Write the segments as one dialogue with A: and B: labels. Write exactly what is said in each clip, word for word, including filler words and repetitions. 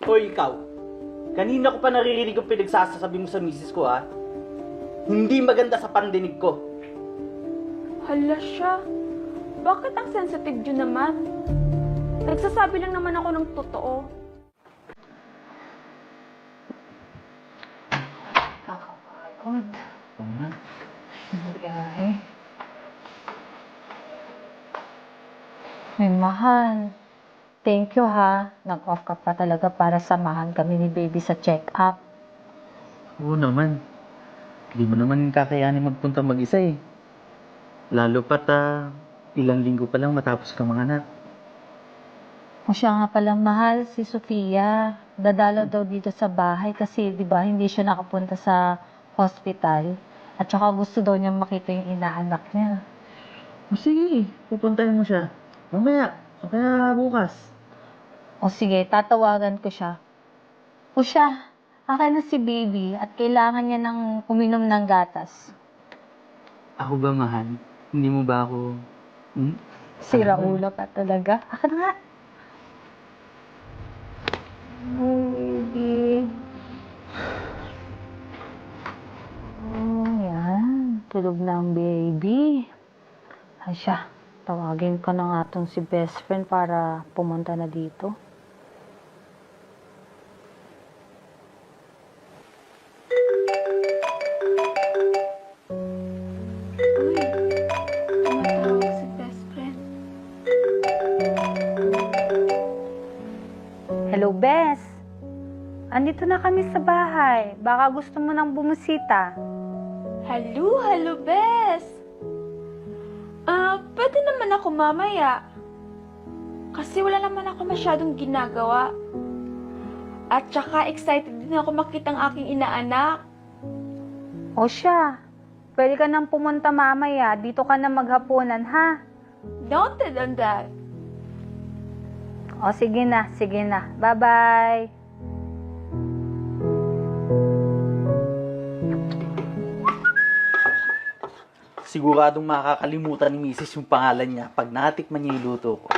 A: Hoy, ikaw. Kanina ko pa naririnig ang pinagsasasabi mo sa misis ko, ha? Hindi maganda sa pandinig ko.
B: Hala siya. Bakit ang sensitive yun naman? Nagsasabi lang naman ako ng totoo.
C: Kakapagod.
A: Oo nga.
C: Biyahe. Ay, mahal. Thank you, ha. Nag-off ka pa talaga para samahan kami ni baby sa check-up.
A: Oo naman. Hindi mo naman kakayanin magpunta mag-isa eh. Lalo pat ah, ilang linggo pa lang matapos kang mga anak.
C: O siya nga pala, mahal, si Sofia. Dadalaw daw dito sa bahay kasi, di ba, hindi siya nakapunta sa hospital. At saka gusto daw niya makita yung inaanak niya.
A: O sige, pupuntahin mo siya. Mamaya, o kaya bukas.
C: O sige, tatawagan ko siya. O siya, akin na si baby at kailangan niya ng uminom ng gatas.
A: Ako ba, mahal? Hindi mo ba ako... Hmm?
C: Sira ulo ka talaga. Akin na nga. Oh, baby. Oh, yan. Tulog na ang baby. Ay siya, tawagin ko na nga tong si best friend para pumunta na dito.
B: Uy, tumatawag si best friend.
C: Hello, Bes. Andito na kami sa bahay. Baka gusto mo nang bumusita.
B: Hello, hello, bes. Ah, pwede naman ako mamaya. Kasi wala naman ako masyadong ginagawa. At saka excited din ako makita ang aking inaanak.
C: O siya, pwede ka nang pumunta mamaya. Dito ka na maghapunan, ha?
B: Noted on that.
C: O sige na, sige na. Bye-bye.
A: Siguradong makakalimutan ni misis yung pangalan niya pag natikman niya yung luto ko.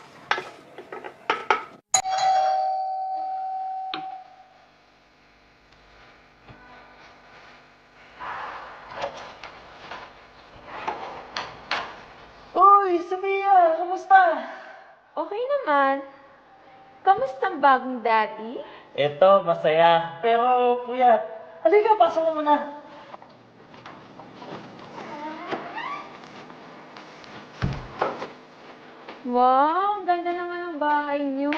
A: Uy, Sophia! Kamusta?
B: Okay naman. Kamusta ang bagong daddy?
A: Eto, masaya. Pero, kuya, halika, pasok mo muna.
B: Wow, ang ganda naman ang bahay niyo.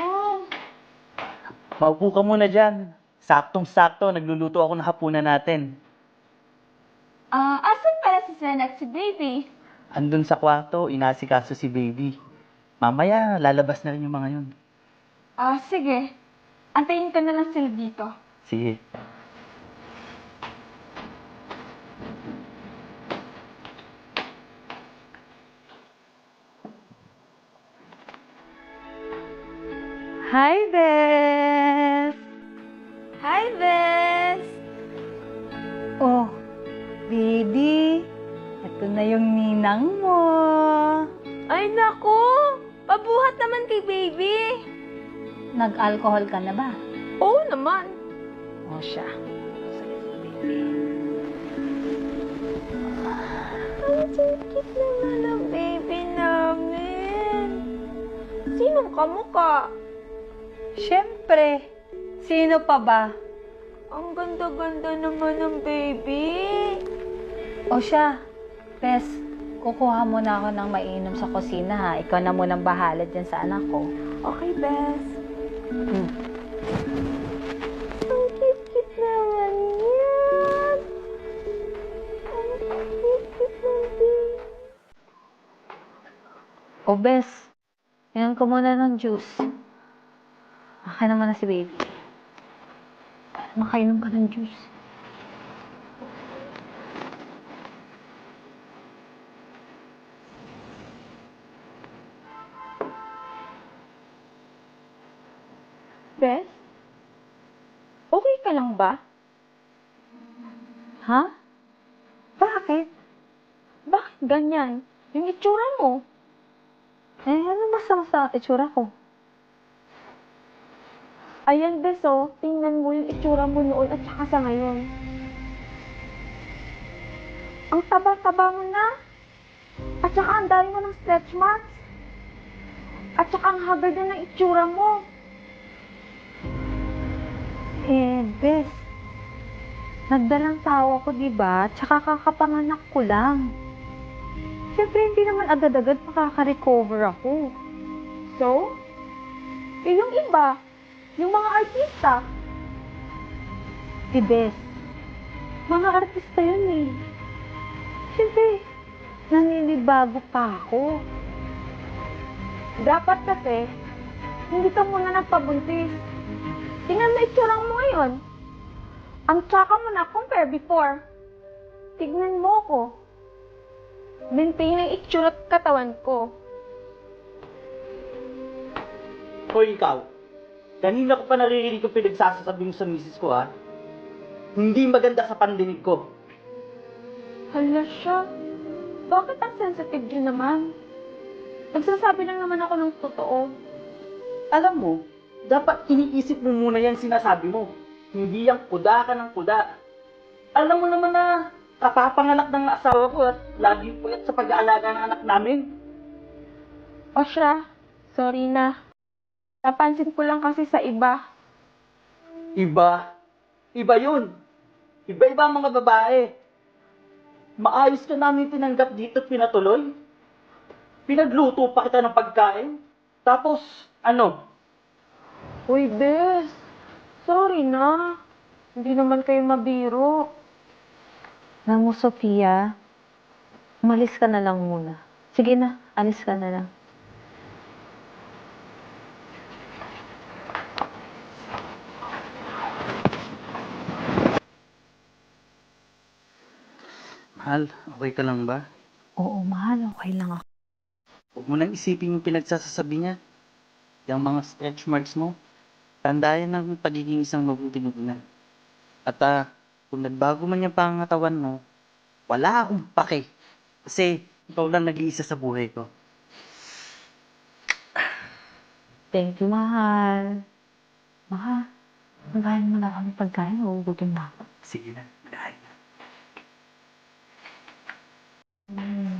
A: Maupo ka muna dyan. Saktong-sakto, nagluluto ako ng hapunan natin.
B: Ah, asan pala si Sen at si baby?
A: Andun sa kwarto, inasikaso si baby. Mamaya, lalabas na rin yung mga yun.
B: Ah, sige. Antayin ko na lang sila dito.
A: Sige.
C: Hi, Bes.
B: Hi, Bes!
C: Oh, baby. Ito na yung ninang mo.
B: Ay, naku! Pabuhat naman kay baby.
C: Nag-alcohol ka na ba?
B: Oo naman.
C: O siya.
B: Ang cute naman ang baby namin. Sinong kamukha?
C: Siyempre. Sino pa ba?
B: Ang ganda-ganda naman ng baby.
C: O siya. Bes, kukuha muna ako ng mainom sa kusina, ha? Ikaw na munang bahala dyan sa anak ko.
B: Okay, Bes.
C: Hmm.
B: Ang cute-cute naman yan. Ang cute-cute ng baby.
C: O, Bes, inom ko muna ng juice. Akin naman na si baby. Makainom ka ng juice.
B: Bes? Okay ka lang ba?
C: Ha? Bakit?
B: Bakit ganyan? Yung itsura mo.
C: Eh, ano masama sa itsura ko?
B: Ayan, bes, oh. Tingnan mo yung itsura mo noon at saka sa ngayon. Ang taba-taba mo na. At saka ang dami mo ng stretch marks. At saka ang hagad na ng itsura mo.
C: Eh, bes, nagdalang tawa ko, di ba? Tsaka kakapanganak ko lang. Siyempre, hindi naman agad-agad makaka-recover ako.
B: So? Eh, yung iba, yung mga artista,
C: Eh, bes, mga artista yun eh. Siyempre, naninibago pa ako.
B: dapat kasi, hindi ka muna nagpabuntis. Tingnan mo itsura mo ngayon. Ang tsaka mo na compare before. Tignan mo ko. Maintain ang itsura at katawan ko.
A: Hoy, ikaw. Kanina ko pa naririnig ko pinagsasasabi mo sa misis ko, ha? Hindi maganda sa pandinig ko.
B: Hala siya. Bakit ang sensitive yun naman? Nagsasabi lang naman ako ng totoo.
A: Alam mo, dapat iniisip mo muna yan sinasabi mo. Hindi yung kuda ka ng kuda. Alam mo naman na kapapanganak ng asawa ko at laging puyat sa pag-aalaga ng anak namin.
B: O siya, sorry na. Napansin ko lang kasi sa iba.
A: Iba. Iba yun. Iba-iba ang mga babae. Maayos ka namin tinanggap dito at pinatuloy. Pinagluto pa kita ng pagkain. Tapos, ano?
B: Uy, bes. Sorry na. Hindi naman kayo mabiro.
C: Alam mo, Sofia, umalis ka na lang muna. Sige na, alis ka na lang.
A: Mahal, okay ka lang ba?
C: Oo, mahal, okay lang ako.
A: Huwag mo nang isipin yung pinagsasasabi niya. Yung mga stretch marks mo. Tandayan ng pagiging isang mabuting ina. At ah, kung nagbago man yung pangatawan mo, wala akong pake. Kasi ikaw lang nag-iisa sa buhay ko.
C: Thank you, mahal. Mahal, magahin mo na kami pagkain, uubutin na ako.
A: Sige na, dahil na.
C: Mm.